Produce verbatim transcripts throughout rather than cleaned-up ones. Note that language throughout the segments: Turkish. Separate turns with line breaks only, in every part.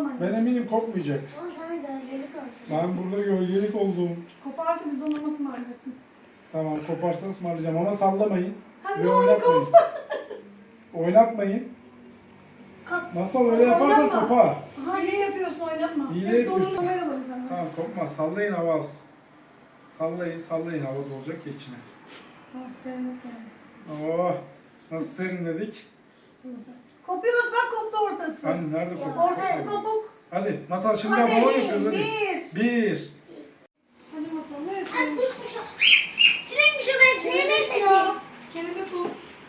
sallamayın.
Ben eminim kopmayacak.
Ama sana gölgelik olsun.
Ben burada gölgelik oldum.
Koparsa biz dondurma ısmarlayacaksın.
Tamam, koparsa ısmarlayacağım ama sallamayın.
Ha,
Ve
ne olur
oynatmayın.
kopma.
Oynatmayın.
Kop.
Masal öyle yaparsan
Oynatma.
kopar.
Hile yapıyorsun, oynatma.
Hile
Biz
yapıyorsun.
dondurma verelim sana.
Tamam, kopmaz. Sallayın, hava az. Sallayın, sallayın, havada olacak ya içine.
Oh, sevmek yani.
Oh, nasıl serinledik.
Kopuyoruz, bak koptu ortası.
Hani nerede koptu?
Ortası kopuk.
Hadi Masal şimdi
Hadi,
balon yapıyoruz hadi.
bir.
Bir.
Hadi masal,
Ay
neresi?
kuşmuş o. Sinekmiş o, ben sineğe benzedim.
Ya. Kelebek bu.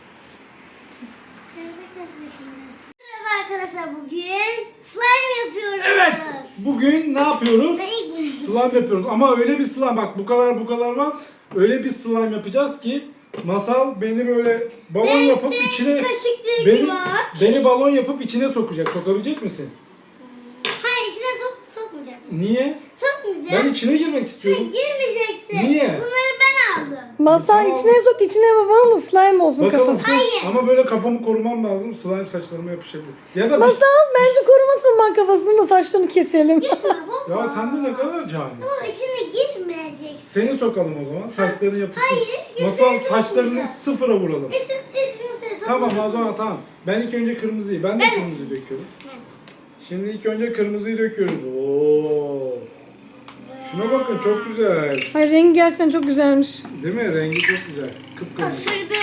Merhaba arkadaşlar, bugün slime yapıyoruz.
Evet. Bugün ne yapıyoruz?
Ben ilk
Slime yapıyoruz ama öyle bir slime, bak bu kadar bu kadar var. Öyle bir slime yapacağız ki Masal beni böyle balon yapıp içine
kaşıkları
beni,
var.
beni balon yapıp içine sokacak. Sokabilecek misin?
Hayır, içine sok, sokmayacaksın.
Niye?
Sokmayacağım.
Ben içine girmek istiyorum.
Girmeyeceksin.
Niye?
Bunları ben aldım.
Masal
Tamam.
içine sok, içine babanın slime olsun
Bakalım.
kafası.
Hayır.
Ama böyle kafamı korumam lazım. Slime saçlarıma yapışabilir. Ya da bir-
Masal bence korumasın, ben kafasını da saçlarını keselim.
Ya sen de ne kadar canisin.
Baba içine girmeyeceksin.
Seni sokalım o zaman. Saçların yapışsın.
Hayır, hiç kimseye
Masal saçlarını
sokmayacağım.
sıfıra vuralım.
Hiç, hiç kimseye
Tamam
sokmayacağım.
o zaman tamam. Ben ilk önce kırmızıyı. Ben de kırmızıyı döküyorum. Şimdi ilk önce kırmızıyı döküyoruz. Oo. Şuna bakın, çok güzel.
Ay, rengi gerçekten çok güzelmiş.
Değil mi? Rengi çok güzel. Kıpkırmızı.
Kaşırdı.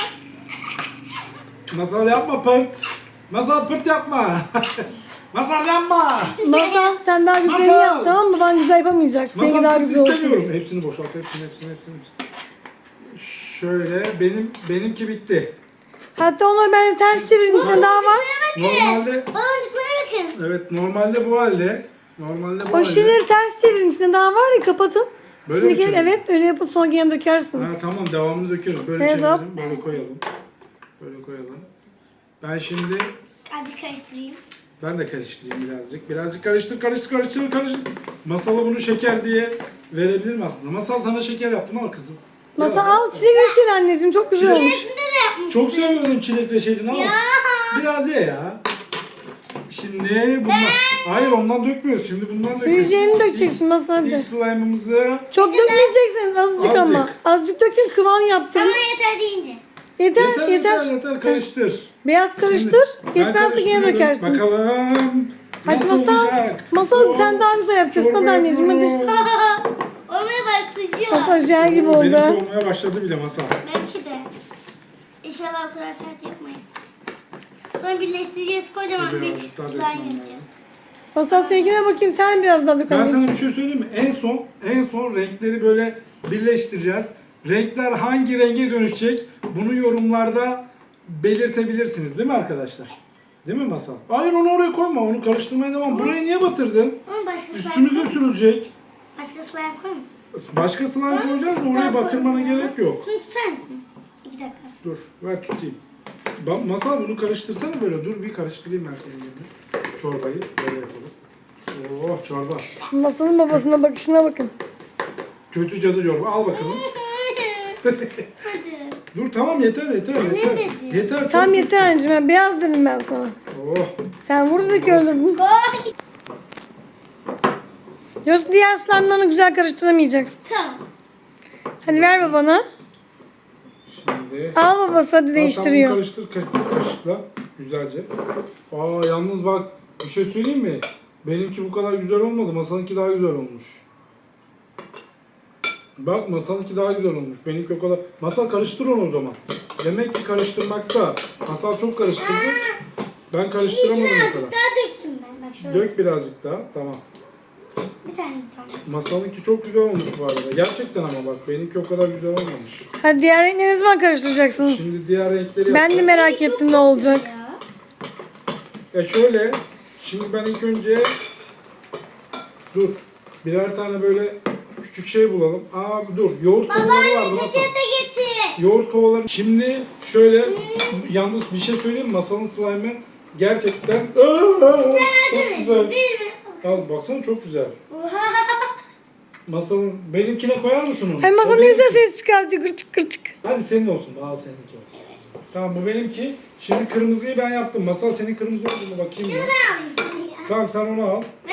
Masal yapma pırt. Masal pırt yapma. Masal yapma.
Masal sen daha güzelini
Masal!
yap, tamam mı? Ben güzel yapamayacak. Seninki
Masal
daha
pırt
güzel olsun.
istemiyorum. Hepsini boşalt. Hepsini hepsini hepsini. Şöyle benim benimki bitti.
Hatta onu bence ters çevirin, içinde daha var.
Normalde
Baloncuklara bakın.
evet normalde bu halde. Normalde bu
O
halde.
şişeleri ters çevirin, içinde daha var ya, kapatın.
Böyle mi
Şimdiki
çevireyim?
evet, öyle yapın, sonra gene
Ha,
dökersiniz.
tamam, devamını döküyoruz. Böyle
Evet,
çevirelim.
hop.
Böyle koyalım. Böyle koyalım. Ben şimdi
Hadi karıştırayım.
ben de karıştırayım birazcık. Birazcık karıştır, karıştır, karıştır, karıştır. Masala bunu şeker diye verebilirim aslında. Masal sana şeker yaptım, al kızım.
Masal
Ya,
al, çilek reçeli anneciğim, çok güzel olmuş.
Resimde de yapmış.
çok seviyorum çilek reçelini, al.
Ya.
Biraz ye ya. Şimdi bundan... Hayır, ondan dökmüyoruz. Şimdi bundan döküyoruz.
Sileceğini dökeceksin Masal, hadi.
İlk slime'ımızı...
Çok dökmeyeceksiniz, azıcık ama.
Azıcık.
Azıcık dökün, kıvam yaptırın.
Ama yeter deyince.
Yeter,
Yeter,
yeter.
yeter, yeter. Karıştır.
Biraz karıştır,
Şimdi ben
yetmezse gene
karıştırıyorum.
dökersiniz.
Bakalım.
Hadi
nasıl
Masal,
olacak?
Masal
Oh,
sen daha güzel yapacaksın, hadi
çorba
anneciğim, hadi.
yapıyorum.
Olmaya başlayacak.
Masal jel gibi oldu.
Benimki olmaya başladı bile Masal.
Belki de. İnşallah o kadar sert yapmayız. Sonra birleştireceğiz. Kocaman bir
Birazcık daha
slime
dökmem
yapacağız.
lazım.
Masal seninkine bakayım, sen biraz daha dök
Ben
anneciğim.
sana bir şey söyleyeyim mi? En son, en son renkleri böyle birleştireceğiz. Renkler hangi renge dönüşecek? Bunu yorumlarda belirtebilirsiniz, değil mi arkadaşlar? Değil mi Masal? Hayır, onu oraya koyma. Onu karıştırmaya devam. Burayı niye batırdın?
Ama başka slime
Üstümüze sürülecek.
Başka slime koymayacağız.
Başka slime koyacağız mı? Oraya batırmana gerek yok.
Şunu tutar mısın? İki dakika.
Dur, ver tutayım. Ba- Masal, bunu karıştırsana böyle. Dur bir karıştırayım ben senin yerine. Çorbayı böyle yapalım. Oh, çorba.
Masalın babasına bakışına bakın.
Kötü cadı çorba. Al bakalım.
Hadi.
Dur tamam, yeter yeter yeter.
dedi?
Yeter. çok
Tamam
kötü.
yeter anneciğim, ben beyaz dedim ben sana.
Oh.
Sen vurdun ki öldürdün.
Koy.
Yoksa diğer slime'larını güzel karıştıramayacaksın.
Tamam.
Hadi ver babana.
Şimdi.
Al babası, hadi
Al,
değiştiriyor.
sen bunu karıştır ka- kaşıkla. Güzelce. Aa, yalnız bak bir şey söyleyeyim mi? Benimki bu kadar güzel olmadı. Masalınki daha güzel olmuş. Bak, Masalınki daha güzel olmuş. Benimki o kadar. Masal, karıştır onu o zaman. Demek ki karıştırmakta. Masal çok karıştırdı. Ben karıştıramadım
İçine
o
azıcık
kadar.
daha döktüm ben. Bak şöyle.
Dök birazcık daha. Tamam.
Bir tane bir tane.
Masalınki çok güzel olmuş bu arada. Gerçekten ama bak, benimki o kadar güzel olmamış.
Hadi diğer renkleri ne zaman karıştıracaksınız?
Şimdi diğer renkleri
Ben de
yapacağız.
merak ettim ne olacak.
Ya.
Ya şöyle, şimdi ben ilk önce dur, birer tane böyle küçük şey bulalım. Aa dur, yoğurt kovaları vardı Masal.
Peçete getir.
Yoğurt kovaları. Şimdi şöyle, yalnız bir şey söyleyeyim mi? Masalın slime'ı gerçekten Aa, çok güzel.
Bir mi?
Al baksana, çok güzel. Masalın, benimkine koyar mısın onu?
Ay Masal
O
ne güzel
benimki.
ses çıkartıyor, gırçık gırçık.
Hadi senin olsun, al seninki olsun. Tamam, bu benimki. Şimdi kırmızıyı ben yaptım. Masal, senin kırmızı olduğunu bakayım ya. Tamam, sen onu al.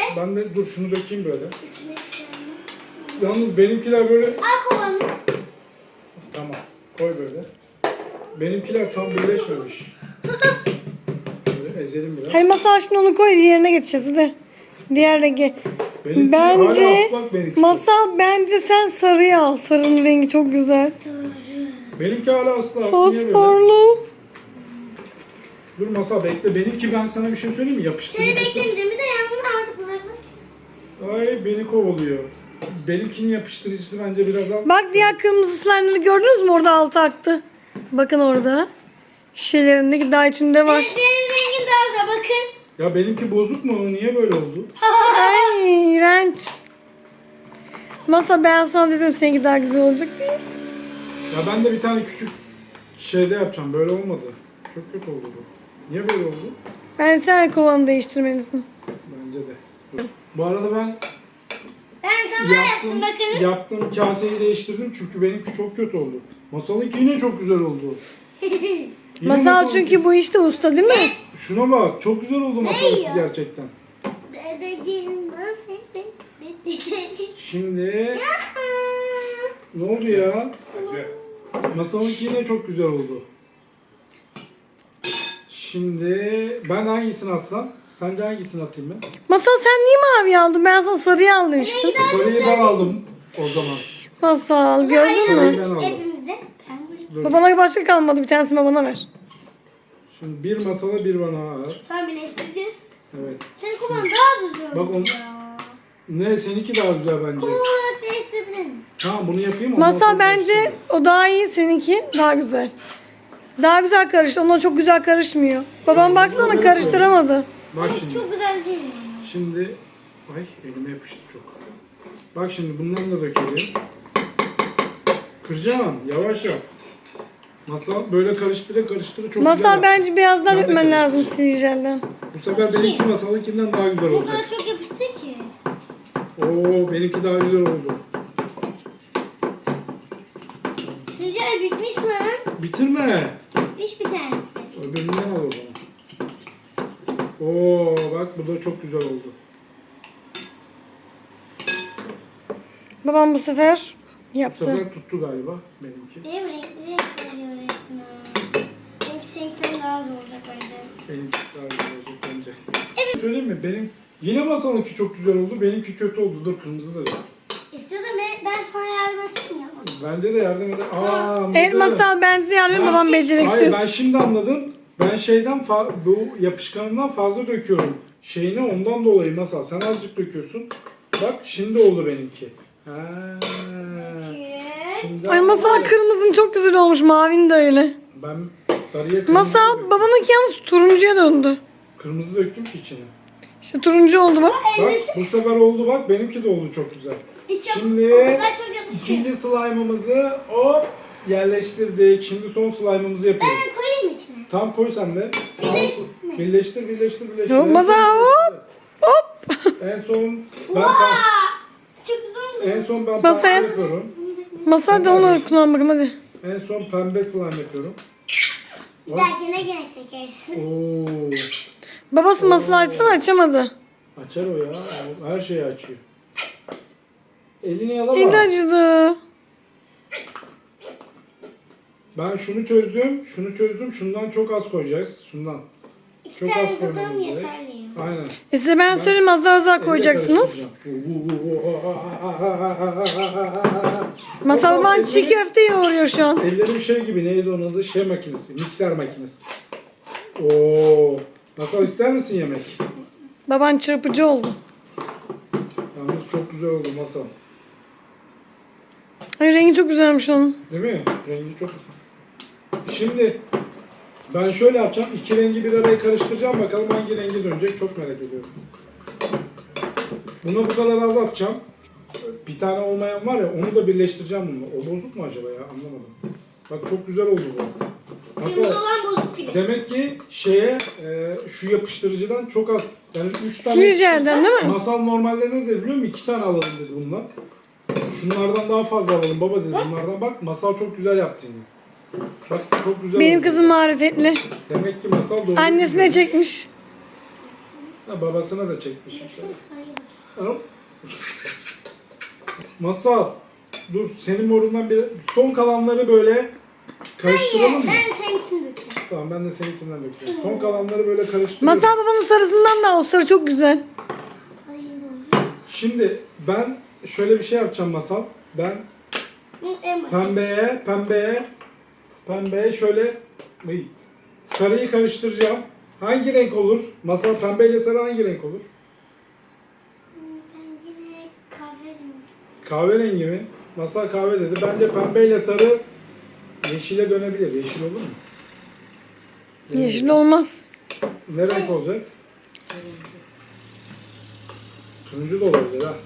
Ben de dur şunu dökeyim böyle.
İçine isterim.
Yalnız benimkiler böyle...
Al kovanı.
Tamam. Koy böyle. Benimkiler tam birleşmemiş. Böyle ezelim biraz.
Hadi masal şimdi onu koy diğerine geçeceğiz hadi. Diğer rengi.
Benimki
Bence
hala ıslak benimki.
masal bence sen sarıyı al. Sarının rengi çok güzel.
Benimki hala ıslak. Niye böyle?
Fosforlu.
Dur Masal bekle. Benimki ben sana bir şey söyleyeyim mi? Yapıştırma.
Seni beklemeyeceğim. Bir de yanımdan artık uzaklaş.
Ay beni kovalıyor. Benimkinin yapıştırıcısı bence biraz az.
Bak diğer kırmızı slime'ları gördünüz mü? Orada altı aktı. Bakın orada. Şişelerindeki daha içinde var.
Evet, benim rengim daha güzel. Bakın.
Ya benimki bozuk mu? Niye böyle oldu?
Ay iğrenç. Masa ben sana dedim seninki daha güzel olacak diye.
Ya ben de bir tane küçük şeyde yapacağım. Böyle olmadı. Çok kötü oldu bu. Niye böyle oldu?
Ben sen kovanı değiştirmelisin.
Bence de. Dur. Bu arada ben
Ben sana yaptım.
yaptığım,
Bakınız.
yaptığım kaseyi değiştirdim çünkü benimki çok kötü oldu. Masalınki yine çok güzel oldu. Yine
Masal
masalınki-
çünkü bu işte usta değil mi?
Şuna bak çok güzel oldu masalınki
ya?
gerçekten.
Dedeciğim nasıl?
Şimdi ne oldu ya? Masalınki yine çok güzel oldu. Şimdi ben hangisini atsam? Sence hangisini atayım ben?
Masal sen niye mavi aldın? Ben sana sarıyı al demiştim.
Sarıyı ben aldım o zaman.
Masal gördün mü?
Ben aldım.
Hepimize. Ben buraya.
Dur.
Babana başka kalmadı. Bir tanesini babana ver.
Şimdi bir masala bir bana at.
Sonra birleştireceğiz.
Evet.
Senin kovan daha güzel.
Bak onu- Ne seninki daha güzel bence.
Kovan olarak değiştirebilir miyiz?
Tamam bunu yapayım ondan
Masal
sonra
bence
değiştiririz.
o daha iyi, seninki daha güzel. Daha güzel karıştı. Onunla çok güzel karışmıyor. Babam baksana karıştıramadı.
Bak şimdi.
Çok güzel değil mi?
Şimdi ay elime yapıştı çok. Bak şimdi bundan da dökelim. Kıracaksın yavaş yap. Masal böyle karıştıra karıştıra çok güzel
Masal
yaptı.
bence biraz daha
Ben de
dökmen lazım
karıştıracağım.
silicelden.
Bu sefer benimki masalınkinden daha güzel
O
olacak.
kadar çok yapıştı ki.
Oo benimki daha güzel oldu.
Rica bitmiş lan.
Bitirme.
Bitmiş bir tanesi.
Öbüründen al o zaman. Oo bak bu da çok güzel oldu.
Babam bu sefer
Bu
yaptı.
sefer tuttu galiba benimki.
Benim renkli renk veriyor resmen. Benimki seninkinden daha az olacak bence.
Benimki daha güzel olacak bence. Evet. Söyleyeyim mi? Benim yine masalınki çok güzel oldu. Benimki kötü oldu. Dur kırmızı da.
İstiyorsan ben, ben sana yardım edeyim ya.
Bence de yardım eder. Aa, anladım.
Evet Masal bence yardım
Ben-
babam
Hayır
beceriksiz.
ben şimdi anladım. Ben şeyden fa- bu yapışkanından fazla döküyorum. Şeyini ondan dolayı masal. Sen azıcık döküyorsun. Bak şimdi oldu benimki. Ha. Şimdi
Ay
anladım.
Masal kırmızın çok güzel olmuş. Mavin de öyle.
Ben sarıya kırmızı
Masal
döktüm.
babanınki yalnız turuncuya döndü.
Kırmızı döktüm ki içine.
İşte turuncu oldu bak.
Bak bu sefer oldu bak. Benimki de oldu çok güzel.
Hiç yap-
Şimdi
o kadar çok yapışıyor.
İkinci slime'ımızı hop yerleştirdik. Şimdi son slime'ımızı
Ben
yapıyoruz.
de koyayım içine.
Tam koy sen de.
Birleştirme.
Birleştir, birleştir, birleştir.
Yok,
En
Mazhar,
son
hop,
birleştireceğiz. En son ben,
Aa,
ben
çok güzel oldu.
en son ben
Masal.
pembe yapıyorum.
Masal da onu kullan bakalım hadi.
En son pembe slime yapıyorum.
Bir dahakine gene çekersin.
Oo.
Babası Masal açsana açamadı.
Açar o ya. O her şeyi açıyor. Elini yalama.
Eli acıdı.
Ben şunu çözdüm, şunu çözdüm. Şundan çok az koyacağız. Şundan.
İki
Çok
tane
az
gıdım
koymamız gerek.
yeterli ya.
Aynen.
E size ben söyleyeyim azar azar koyacaksınız. Masal baban çiğ köfte yoğuruyor şu an.
Ellerim şey gibi neydi onun adı? Şey makinesi, mikser makinesi. Oo. Masal ister misin yemek?
Baban çırpıcı oldu.
Yalnız çok güzel oldu masal.
Ay rengi çok güzelmiş onun.
Değil mi? Rengi çok. Şimdi ben şöyle yapacağım. İki rengi bir araya karıştıracağım. Bakalım hangi rengi dönecek. Çok merak ediyorum. Buna bu kadar az atacağım. Bir tane olmayan var ya onu da birleştireceğim bununla. O bozuk mu acaba ya? Anlamadım. Bak çok güzel oldu bu.
Kırmızı
Nasıl?
olan bozuk gibi.
Demek ki şeye e, şu yapıştırıcıdan çok az. Yani üç tane.
Siljelden değil mi?
Masal normalde ne dedi biliyor musun? İki tane alalım dedi bundan. Şunlardan daha fazla alalım baba dedi bunlardan. Bak masal çok güzel yaptı yine. Bak çok güzel
Benim
oldu.
kızım marifetli.
Demek ki masal doğru.
Annesine çekmiş.
Ha, babasına da çekmiş.
Baksana sayı.
Hop. Masal. Dur senin morundan bir son kalanları böyle karıştıralım mı?
Ben seninkini dökeceğim.
Tamam ben de seninkinden dökeceğim. Son kalanları böyle karıştırıyorum.
Masal babanın sarısından da o sarı çok güzel.
Sayı doğru.
Şimdi ben şöyle bir şey yapacağım Masal. Ben
Bu en başta.
pembeye, pembeye, pembeye şöyle Ay, sarıyı karıştıracağım. Hangi renk olur? Masal pembeyle sarı hangi renk olur?
Ben yine kahverengi.
Kahverengi mi? Masal kahve dedi. Bence pembeyle sarı yeşile dönebilir. Yeşil olur mu?
Yeşil olmaz.
Ne renk olacak? Turuncu da olabilir ha.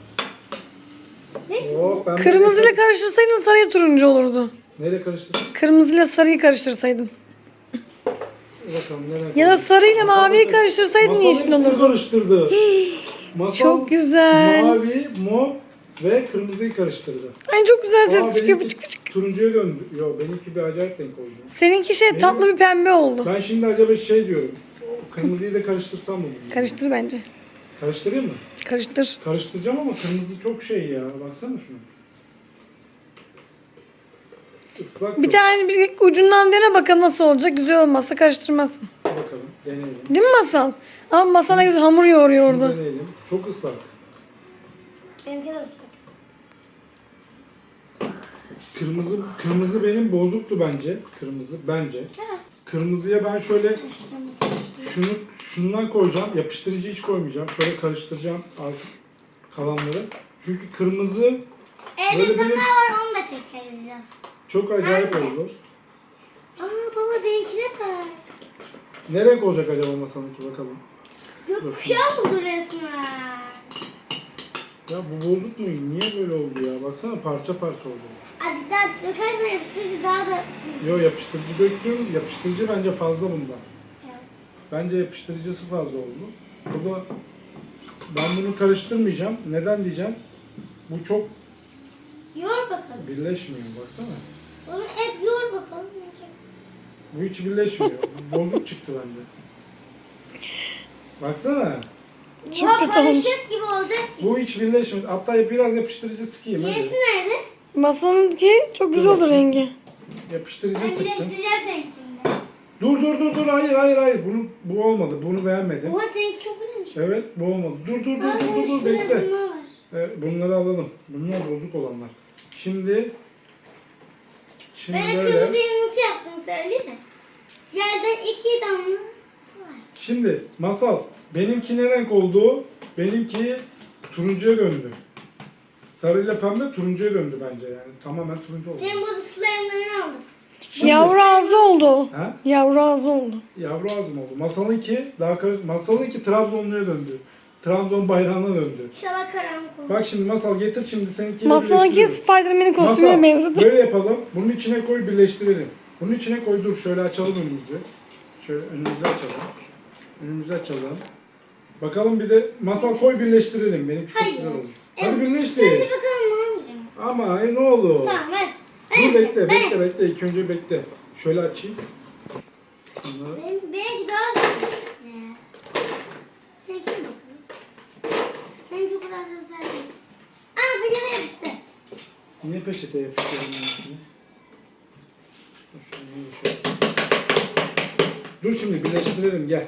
Oh, pembe
Kırmızıyla karıştırsaydın sarıya turuncu olurdu.
Neyle karıştırdın?
Kırmızıyla sarıyı karıştırsaydın.
Bakalım ne renk
Ya da
olacak?
sarıyla
Masal
maviyi
da-
karıştırsaydın
Masal
yeşil
hepsini
olurdu.
karıştırdı. Masal
Çok güzel.
Mavi, mor ve kırmızıyı karıştırdı.
Ay çok güzel
Aa,
ses çıkıyor.
benimki
Pıçık pıçık.
turuncuya döndü. Yo benimki bir acayip renk oldu.
Seninki şey tatlı bir pembe oldu.
Ben şimdi acaba şey diyorum. o Kırmızıyı da karıştırsam mı? bunu?
Karıştır bence.
Karıştırayım mı?
Karıştır.
Karıştıracağım ama kırmızı çok şey ya. Baksana şuna. Islak
Bir
çok.
tane bir ucundan dene bakalım nasıl olacak. Güzel olmazsa karıştırmazsın.
Bakalım deneyelim.
Değil mi Masal? Ama Masal ne güzel hamur yoğuruyor
Şunu
orada.
deneyelim. Çok ıslak.
Benimki de ıslak.
Kırmızı kırmızı benim bozuktu bence. Kırmızı bence. Kırmızıya ben şöyle şunu şundan koyacağım. Yapıştırıcı hiç koymayacağım. Şöyle karıştıracağım az kalanları. Çünkü kırmızı
Evde
Böyle
fener
benim-
var onu da çekeriz biraz.
çok acayip
Aynen.
oldu.
Aa baba benimkine bak.
Ne renk olacak acaba masanınki bakalım.
Gökkuşağı oldu resmen.
Ya bu bozuk mu? Niye böyle oldu ya? Baksana parça parça oldu.
Azıcık daha dökersen yapıştırıcı daha da...
Yo yapıştırıcı döktüm. Yapıştırıcı bence fazla bundan.
Evet.
Bence yapıştırıcısı fazla oldu. Burada ben bunu karıştırmayacağım. Neden diyeceğim? Bu çok
Yoğur bakalım.
birleşmiyor. Baksana.
Onu hep yoğur bakalım.
Bu hiç birleşmiyor. Bozuk çıktı bende. Baksana.
Çok
Bu
kötü olmuş.
karışık gibi olacak ki.
Bu hiç birleşmiyor. Hatta biraz yapıştırıcı sıkayım. Hadi.
Gerisi nerede?
Masalınki çok güzel oldu rengi.
Yapıştırıcı
Ben
sıktım.
birleştireceğim seninkinde.
Dur dur dur dur. Hayır hayır hayır. Bunu, bu olmadı. Bunu beğenmedim.
Oha seninki çok güzelmiş.
Evet bu olmadı. Dur dur dur
Aa,
dur dur, dur.
şurada
Bekle.
bunlar var.
Evet, bunları alalım. Bunlar bozuk olanlar. Şimdi Şimdi
Ben de
böyle.
kırmızıyı nasıl yaptım söyleyeyim mi? Jelden iki damla var.
Şimdi Masal benimki ne renk oldu? Benimki turuncuya döndü. Sarıyla pembe turuncuya döndü bence yani. Tamamen turuncu oldu.
Senin bozuk slime'larını aldım.
Şimdi-
Yavru ağzı oldu o.
Ha?
Yavru ağzı oldu.
Yavru ağzım oldu. Masalınki daha karış Masalınki Trabzonlu'ya döndü. Trabzon bayrağına döndü.
İnşallah karanlık olur.
Bak şimdi Masal getir şimdi seninkiyle
Masalınki
birleştiriyoruz.
Spider-Man'in kostümüne
Masal,
benzedi.
böyle yapalım. Bunun içine koy birleştirelim. Bunun içine koy dur şöyle açalım önümüzü. Şöyle önümüzü açalım. Önümüzü açalım. Bakalım bir de Masal koy birleştirelim. Benimki çok
Hayır.
güzel oldu.
Evet.
Hadi birleştir.
Önce bakalım hangisi?
Ama e, ne olur.
Tamam ver.
Dur
Ben
bekle
ben-
bekle bekle. İlk önce bekle. Şöyle açayım. Bunları-
Benim, benimki daha güzel. Seninki mi bakalım? Seninki o kadar da güzel değil. Aa bir de yapıştı.
Niye peçete yapıştırdın benimkini? Dur şöyle, şöyle. Dur şimdi birleştirelim gel.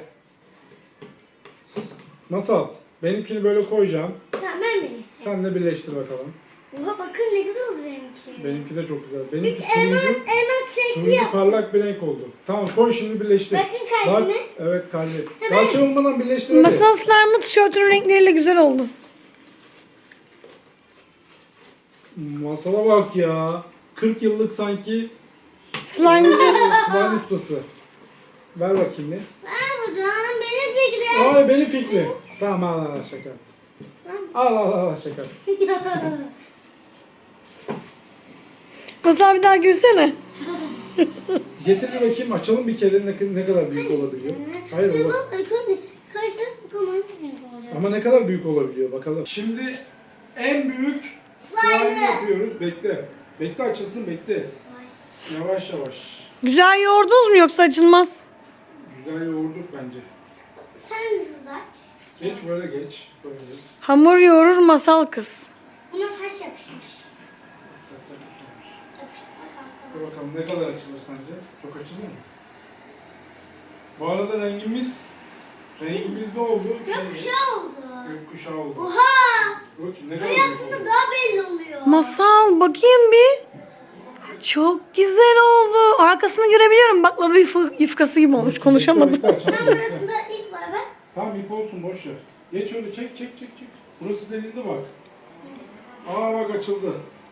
Masal benimkini böyle koyacağım.
Tamam ben birleştireyim.
Sen de birleştir bakalım.
Oha bakın ne güzel oldu benimki.
Benimki de çok güzel.
Bir
Benimki
elmas,
turuncu,
elmas şekli
turuncu
yaptım.
parlak bir renk oldu. Tamam koy şimdi birleştir.
Bakın
Bak,
kalbime.
evet kalbi.
Hemen.
Daha çabukmadan birleştir hadi.
Masal slime'ı tişörtünün renkleriyle güzel oldu.
Masala bak ya. kırk yıllık sanki
Slime'cı.
slime ustası. Ver bakayım bir.
Aa buradan benim fikrim.
Ay benim fikrim. Tamam al al al şaka. Al al al şaka.
Masal bir daha gülsene.
Getir bir bakayım açalım bir kere ne, ne kadar büyük olabiliyor. Hayır
Dur
baba.
bak bakın. Karşıda bakalım hangi renk olacak.
Ama ne kadar büyük olabiliyor bakalım. Şimdi en büyük slime yapıyoruz. Bekle. Bekle açılsın bekle. Yavaş yavaş.
Güzel yoğurdunuz mu yoksa açılmaz?
Güzel yoğurduk bence.
Sen hızlı aç.
Geç böyle geç. Böyle geç.
Hamur yoğurur masal kız.
Buna saç yapışmış.
Dur bakalım ne kadar açılır sence? Çok açılır mı? Bu arada rengimiz rengimiz ne oldu?
Gökkuşağı oldu.
Gökkuşağı oldu.
Oha!
Bakayım ne kadar
Şey
büyük
yaptığında
oldu.
daha belli oluyor.
Masal bakayım bir. Çok güzel oldu. Arkasını görebiliyorum. Baklava yuf- yufkası gibi olmuş. Konuşamadım.
Bekle, bekle, açalım,
Tam
bekle.
burasında ilk var bak.
Tamam ip olsun boş ver. Geç öyle çek çek çek çek. Burası delildi bak. Aa bak açıldı.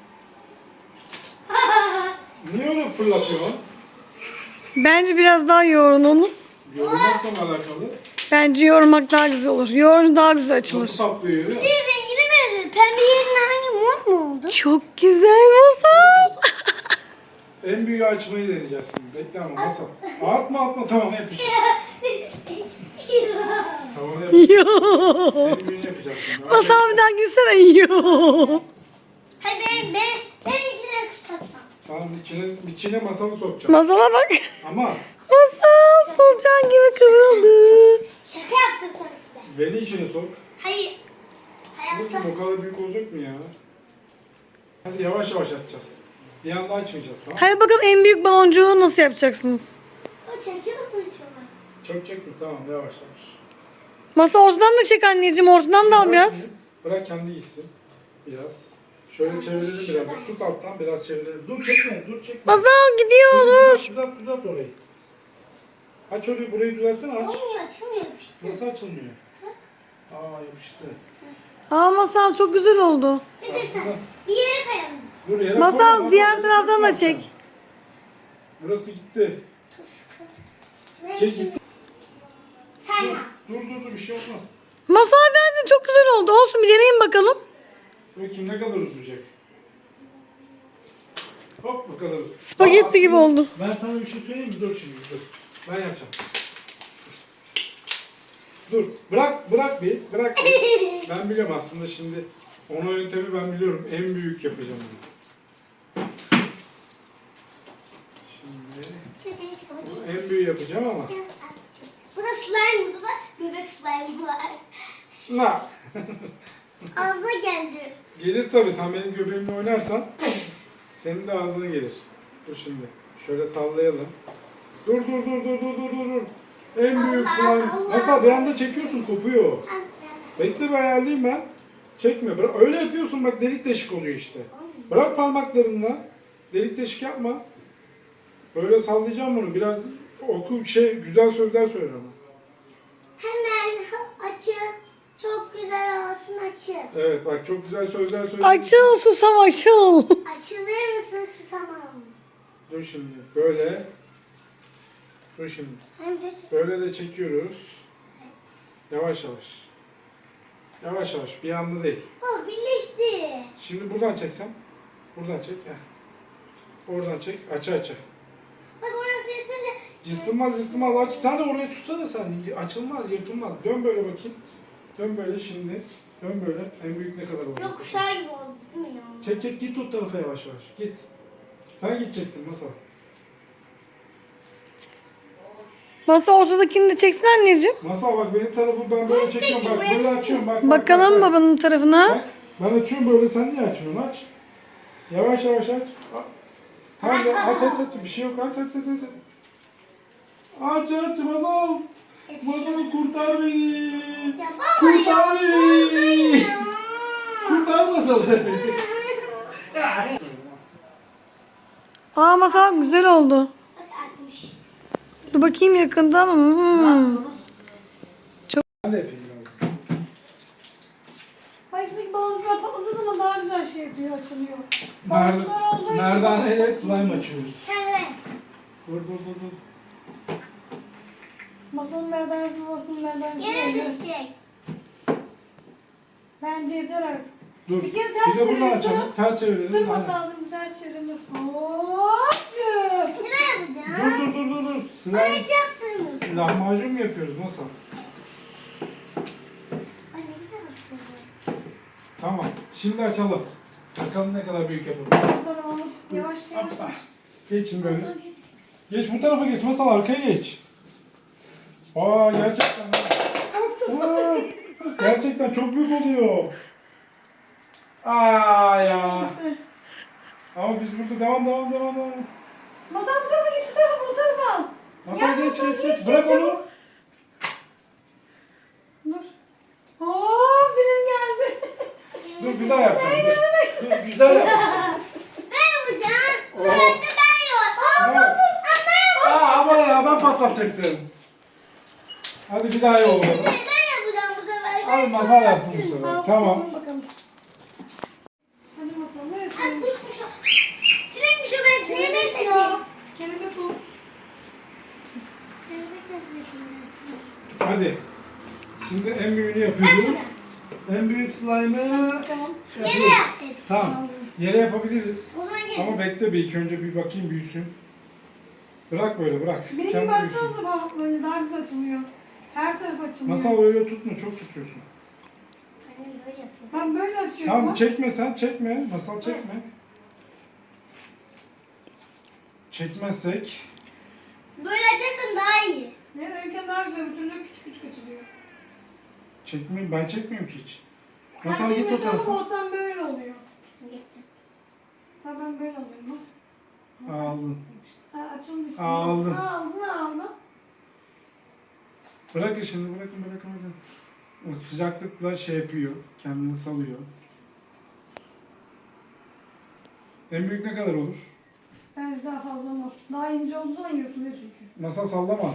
Niye öyle fırlatıyorsun?
Bence biraz daha yoğurun onu.
Yoğurmakla mı alakalı?
Bence yoğurmak daha güzel olur. Yoğurunca daha güzel açılır.
Nasıl patlıyor?
Şey rengine benziyor. Pembe yerine hangi mor mu oldu?
Çok güzel masal.
En büyüğü açmayı deneyeceğiz şimdi. Bekle ama masal. Atma atma tamam yapış. Tamam yapış.
Yo.
En büyüğünü yapacağız şimdi.
Masal bir daha gülsene. Yo.
Hayır ben, ben, ben içine kısatsam.
Tamam içine, içine masalı sokacağım.
Masala bak.
Ama
Masal solucan gibi kıvrıldı.
Şaka yaptım tabii ki de.
beni içine sok.
Hayır. Hayatta.
Bakayım o kadar büyük olacak mı ya? Hadi yavaş yavaş açacağız. Bir anda açmayacağız tamam.
Hadi bakalım en büyük baloncuğu nasıl yapacaksınız?
O çekiyorsun şunu.
Çok çekme tamam yavaş yavaş.
Masa ortadan da çek anneciğim. Ortadan da al biraz.
Bırak kendi gitsin. Biraz. Şöyle çevirelim biraz. Tut alttan biraz çevirelim. Dur çekme dur çekme.
Masal gidiyor dur.
Düzelt düzelt orayı. Aç orayı burayı düzeltsene aç.
Olmuyor açılmıyor işte.
Nasıl açılmıyor? Aa yapıştı.
Aa Masal çok güzel oldu.
Bir de sen
Aslında-
bir yere kayalım.
Dur yere
Masal
koyma,
diğer
masal
taraftan da
tutma
çek.
sen. Burası gitti.
Tut sıkı. Benim
Çek
için
gitsin.
sen
Dur
yap.
dur dur, dur bir şey olmaz.
Masal geldi çok güzel oldu. Olsun bir deneyin bakalım.
Bakayım ne kadar uzayacak. Hop bu kadar.
Spagetti
Aa, aslında
gibi oldu.
Ben sana bir şey söyleyeyim mi? Dur şimdi dur. Ben yapacağım. Dur. Bırak bırak bir. Bırak bir. Ben biliyorum aslında şimdi. Ona yöntemi ben biliyorum. En büyük yapacağım bunu. Şimdi
Deniz kapatayım.
en büyüğü yapacağım ama.
Bu da slime, bu da göbek slime var.
Na.
Ağzına geldi.
Gelir tabii sen benim göbeğimle oynarsan senin de ağzına gelir. Dur şimdi. Şöyle sallayalım. Dur dur dur dur dur dur dur dur. En büyük
Salla,
slime.
salla.
Nasıl bir anda çekiyorsun kopuyor. Bekle bir ayarlayayım ben. Çekme. Bırak. Öyle yapıyorsun bak delik deşik oluyor işte. Bırak parmaklarınla. Delik deşik yapma. Böyle sallayacağım bunu. Biraz oku şey güzel sözler söyle ama.
Hemen açın. Çok güzel olsun açın.
Evet bak çok güzel sözler söyle.
Açıl susam açıl.
Açılır mısın susamam?
Dur şimdi. Böyle. Dur şimdi.
Hem de
Böyle de çekiyoruz. Yavaş yavaş. Yavaş yavaş. Bir anda değil.
o birleşti.
Şimdi buradan çeksem. Buradan çek. Heh. Oradan çek. Aça aça.
Bak orası yırtınca
Yırtılmaz yırtılmaz. Aç. Sen de oraya tutsana sen. Açılmaz yırtılmaz. Dön böyle bakayım. Dön böyle şimdi. Dön böyle. En büyük ne kadar oldu?
gökkuşağı gibi oldu değil mi ya?
Çek çek git o tarafa yavaş yavaş. Git. Sen gideceksin nasıl?
Masa ortadakini de çeksin anneciğim.
Masal bak benim tarafı ben böyle
Nasıl
çekiyorum. Bak
çekeyim?
böyle
Buraya
açıyorum. Bak, bak,
Bakalım
bak, bak.
babanın tarafına.
Bak, ben açıyorum böyle, sen niye açmıyorsun? Aç. Yavaş yavaş aç. A- Tamam ya, aç aç aç. Bir şey yok, aç aç aç aç. Aç aç Mazal. Mazal kurtar beni.
Ya baba ya.
Kurtar beni.
Ya.
Kurtar Mazal'ı.
Aa Masal güzel oldu.
Bak artmış.
Dur bakayım yakında ama. Hmm.
Ben de yapayım biraz.
Ay içindeki baloncuklar patladığı zaman daha güzel şey yapıyor, açılıyor.
Mer
Baloncuklar olduğu için
merdaneyle slime açıyoruz.
Sen ver.
Dur dur dur dur.
Masanın merdanesi, babasının merdanesi.
Yere
öyle.
düşecek.
Bence yeter artık.
Dur.
Bir kere
Bir
ters
de buradan
çevirelim,
açalım.
dur.
Ters çevirelim.
Dur
Aynen.
masalcığım bir ters çevirelim. Hop.
Ne yapacağım?
Dur dur dur dur dur.
Bana
Slime.
hiç yaptırmıyorsun.
Lahmacun mu yapıyoruz? Nasıl?
Ay ne güzel açıldı.
Tamam. Şimdi açalım. Bakalım ne kadar büyük yapalım.
Masal alıp yavaş yavaş.
Hoppa. Geçin böyle.
Masal geç geç.
Geç bu tarafa geç. Masal arkaya geç. Aa gerçekten. ha. Aa, Gerçekten çok büyük oluyor. Aa ya. Ama biz burada devam devam devam devam.
Masal bu tarafa git, bu tarafa, bu tarafa.
Masal
Ya,
geç
Masal,
geç
geç,
geç. Bırak
geç,
onu.
çabuk. Dur. Oo, dilim geldi.
Dur bir daha yapacağım. Dur, dur güzel yapacağım.
Ben yapacağım. Bu
Oo.
sefer de ben yok.
Evet. Aa ama ya ben patlatacaktım. Hadi bir daha yolla.
Ben yapacağım bu sefer.
Hadi Masal yapsın bu sefer.
Al,
Tamam.
bakalım, bakalım. Hadi Masal, neresi?
Ay kuşmuş o. Sinekmiş o, ben sineğe
Kelebek
benzettim.
ya. Kelebek o.
Kelebek benzettim.
Hadi. Şimdi en büyüğünü yapıyoruz. En büyük slime'ı
Tamam.
Yere
yapıyoruz.
yapsaydık.
Tamam. Yere yapabiliriz.
O zaman gel.
Ama bekle bir ilk önce bir bakayım büyüsün. Bırak böyle bırak.
Benim
Kendi
gibi
büyüsün.
baksanıza bak, böyle daha güzel açılıyor. Her taraf açılıyor.
Masal öyle tutma çok tutuyorsun.
Annem böyle yapıyor.
Ben böyle açıyorum.
Tamam
bak.
çekme sen çekme. Masal çekme. Çekmezsek.
Böyle açarsan daha iyi.
Ne öyküm daha güzel, bir türlü küçük küçük açılıyor.
Çekmeyeyim ben çekmiyorum ki hiç.
Sen
Masal git o
çekmiyorsan bu
tarafa.
ortadan böyle oluyor.
Gittim.
Ha ben böyle alıyorum bak.
Aldın.
Ha açıldı işte.
Aldın.
Ha aldın aldın.
Bırakın şimdi bırakın bırakın bırakın. O sıcaklıkla şey yapıyor. Kendini salıyor. En büyük ne kadar olur?
Bence daha fazla olmaz. Daha ince olduğu zaman yırtılıyor çünkü.
Masal sallama.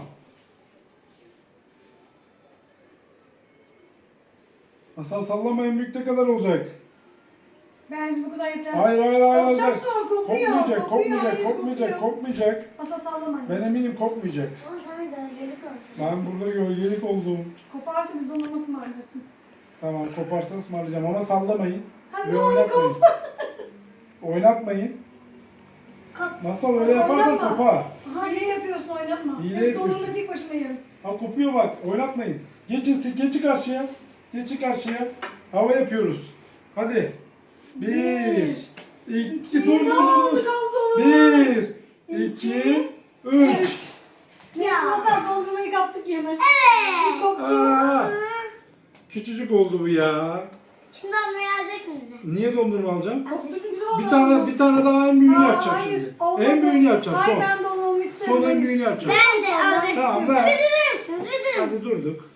Masal sallama en büyük ne kadar olacak?
Bence bu kadar yeter.
Hayır hayır hayır.
Kopacak
olacak.
sonra kopuyor.
Kopmayacak,
kopuyor,
kopmayacak,
hayır,
kopmayacak,
kopuyor.
kopmayacak.
Masa sallama.
Ben eminim kopmayacak.
Ama sana gölgelik oldu.
Ben burada gölgelik oldum.
Koparsa biz dondurması mı alacaksın?
Tamam koparsan ısmarlayacağım ama sallamayın.
Hadi
Ve
ne olur
oynatmayın.
kop.
Oynatmayın.
Kop.
Masal öyle yaparsan
Oynatma.
kopar.
Hile yapıyorsun, oynatma.
Hile
Biz
yapıyorsun.
dondurma tek başıma yerim.
Ha kopuyor bak oynatmayın. Geçin geçin karşıya. Geçin karşıya. Hava yapıyoruz. Hadi. Bir. iki. Dur dur
Ne oldu
dur.
kaldı onu?
Bir. iki. Üç.
Neyse masal dondurmayı kaptık yine.
Evet.
Çünkü koptu.
Aa, küçücük oldu bu ya.
Şimdi onları alacaksın bize.
Niye dondurma alacağım?
Koptu çünkü ne oldu?
Bir tane bir tane daha en büyüğünü
Aa,
yapacağım
hayır,
şimdi.
olmadı.
En büyüğünü yapacağım
Hayır
son.
ben dondurmamı istemiyorum.
Son en büyüğünü yapacağım.
Ben de alacaksın.
Tamam ver.
Bir durur musunuz? Bir durur
Hadi
musunuz?
durduk.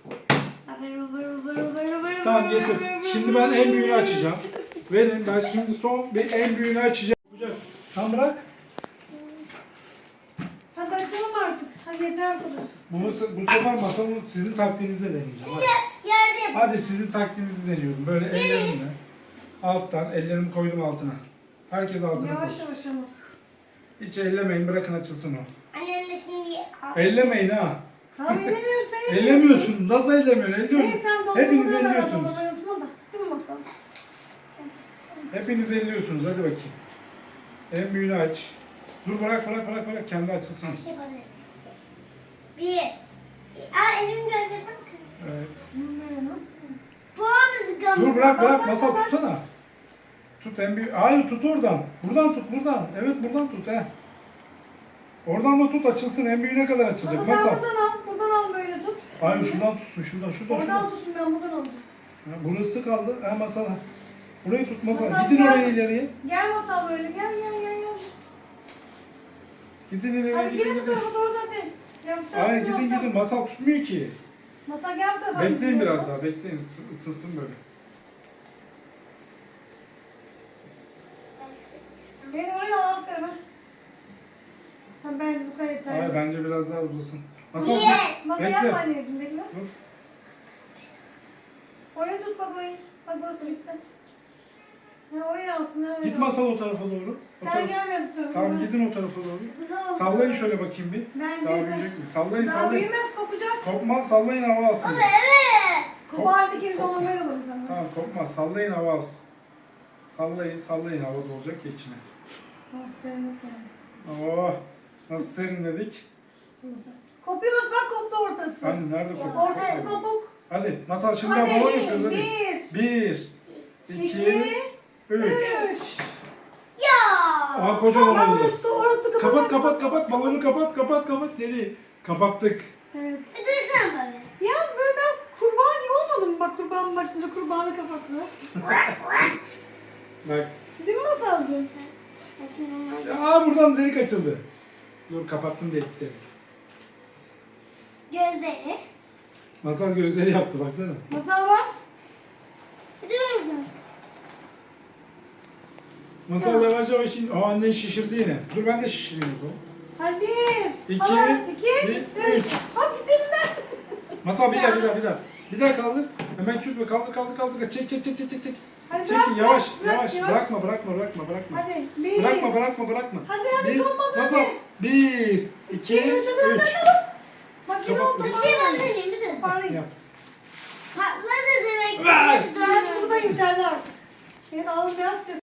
Tamam getir. Şimdi ben en büyüğünü açacağım. Verin ben şimdi son bir en büyüğünü açacağım. Tamam bırak.
Hadi açalım artık. Hadi yeter bu kadar.
Bu, bu sefer masanın sizin taktiğinizle deneyeceğim. Hadi.
Yerde yapalım.
Hadi sizin taktiğinizi deniyorum. Böyle ellerimle. Alttan ellerimi koydum altına. Herkes altına
Yavaş
koysun.
yavaş ama.
Hiç ellemeyin bırakın açılsın o.
Annem de şimdi...
Ellemeyin ha.
Tamam ellemiyorsun sen
Ellemiyorsun. Nasıl ellemiyorsun? Elliyorsun.
Neyse sen dondurmadan
Hepiniz
ver.
elliyorsunuz.
Dondurmayı unutma da. Değil mi masal?
Hepiniz elliyorsunuz. Hadi bakayım. En büyüğünü aç. Dur bırak bırak bırak bırak. Kendi açılsın.
Bir şey yapabilirim. Bir. Aa elimin gölgesi mi?
Evet.
Bilmiyorum.
Boğazı gamı.
Dur bırak bırak.
Masal,
Masal tutsana. Tut en büyük. Hayır tut oradan. Buradan tut buradan. Evet buradan tut he. Oradan da tut açılsın. En büyüğüne kadar açılacak.
Masal sen
Masal.
buradan al. Buradan al böyle tut.
Hayır şuradan tutsun. Şuradan şuradan
Oradan
şuradan.
tutsun ben buradan alacağım.
Ha, burası kaldı. Ha masal. ha. Burayı tut masal.
Masal,
Gidin
gel.
oraya ileriye.
Gel masal böyle. Gel gel gel gel.
Gidin ileriye
Hadi
gidin.
gelin bu
gidin.
tarafa doğru hadi. Yapacağız.
Hayır
şimdi
gidin
masal.
gidin. Masal tutmuyor ki.
Masal gel bu tarafa.
Bekleyin biraz daha. Bekleyin. Isı- Isınsın böyle.
Beni oraya al aferin ha. Tamam bence bu kadar yeter.
Hayır bence biraz daha uzasın. Masal
Niye?
git.
Masa
Bekle.
yapma anneciğim bekle.
Dur.
Oraya tut bak orayı. Bak burası bitti. Ya oraya alsın ha. oraya
Git
al.
masal o tarafa doğru. O
Sen
tarafa-
gel biraz bu tarafa.
Tamam gidin o tarafa doğru. Sallayın şöyle bakayım bir.
Bence
Daha
de.
büyüyecek mi? Sallayın
Daha
sallayın.
büyümez kopacak.
Kopmaz sallayın hava alsın.
Baba evet.
Kopardı ikiniz onu böyle alırım sana.
Tamam kopmaz sallayın hava alsın. Sallayın sallayın hava dolacak ya içine.
Oh serinlik yani.
Oh nasıl serinledik.
Şimdi sen- Kopuyoruz bak koptu ortası.
Hani nerede koptu?
Ortası kopuk.
Hadi masal şimdi
Hadi
balon yapıyoruz hadi.
bir,
Bir, iki,
iki,
üç.
üç.
Ya.
Aha kocaman
Aa,
oldu.
orası, orası
Kapat kapat kapat balonu kapat kapat kapat deli. Kapattık.
Evet.
Bir dursana baba.
Yalnız böyle biraz kurbağa gibi olmadı mı? bak kurbanın başında kurbanın kafası.
Bak.
Değil mi Masalcığım?
Hadi onlar da-
Aa buradan delik açıldı. Dur kapattım delikleri.
Gözleri.
Masal gözleri yaptı baksana.
Masal var.
Biliyor musunuz?
Masal yavaş yavaş in. Aa annen şişirdi yine. Dur ben de şişireyim o zaman.
Hadi bir.
İki,
Hala, iki,
bir,
üç.
üç.
Hop gitti elimden.
Masal bir daha bir daha bir daha. Bir daha kaldır. Hemen küsme kaldır kaldır kaldır. Çek çek çek çek çek. çek.
Hadi
Çekin
bırak,
yavaş
bırak,
yavaş.
yavaş.
Bırakma bırakma bırakma bırakma.
Hadi bir.
Bırakma bırakma bırakma.
Hadi, hadi,
bir,
olmadı,
Masal.
hadi.
Bir, iki,
İki, üç, hadi,
üç.
hadi, hadi. Bak yine
Kapat.
oldu.
Bir şey yapabilir miyim? Bir dur.
Bari.
Yap.
Patladı demek.
Ver.
Hadi
Ben
dur.
burada yeterli artık. Senin ağzın biraz